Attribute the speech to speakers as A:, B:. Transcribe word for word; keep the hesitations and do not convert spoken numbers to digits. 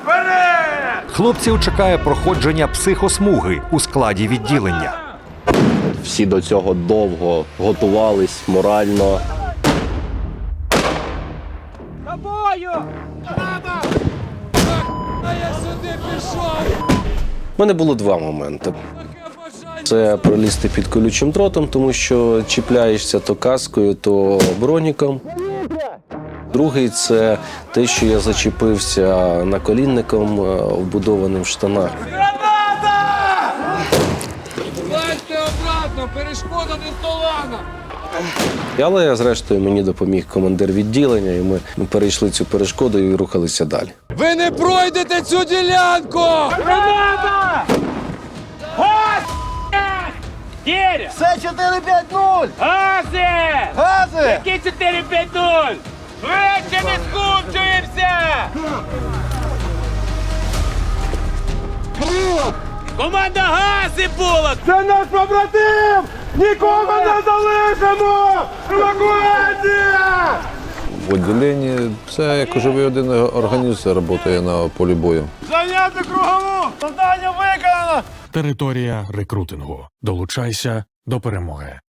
A: Хлопців чекає проходження психосмуги у складі відділення.
B: Всі до цього довго готувались морально. У мене було два моменти. Це пролізти під колючим дротом, тому що чіпляєшся то каскою, то броніком. Другий – це те, що я зачепився наколінником, вбудованим в штанах.
C: Лазьте обратно, перешкода не здолана!
B: Але, зрештою, мені допоміг командир відділення, і ми перейшли цю перешкоду і рухалися далі.
C: Ви не пройдете цю ділянку!
D: Граната! Газ! Деря!
E: Це чотири п'ять нуль!
D: Гази!
E: Гази!
D: Які чотири п'ять нуль? Швидше не скупчуємося! Команда Гази була!
E: Це наш побратим! Нікого не залишимо! Евакуація!
F: В відділенні це як живий один організм працює на полі бою.
E: Зайняти кругову! Завдання виконано!
G: Територія рекрутингу. Долучайся до перемоги.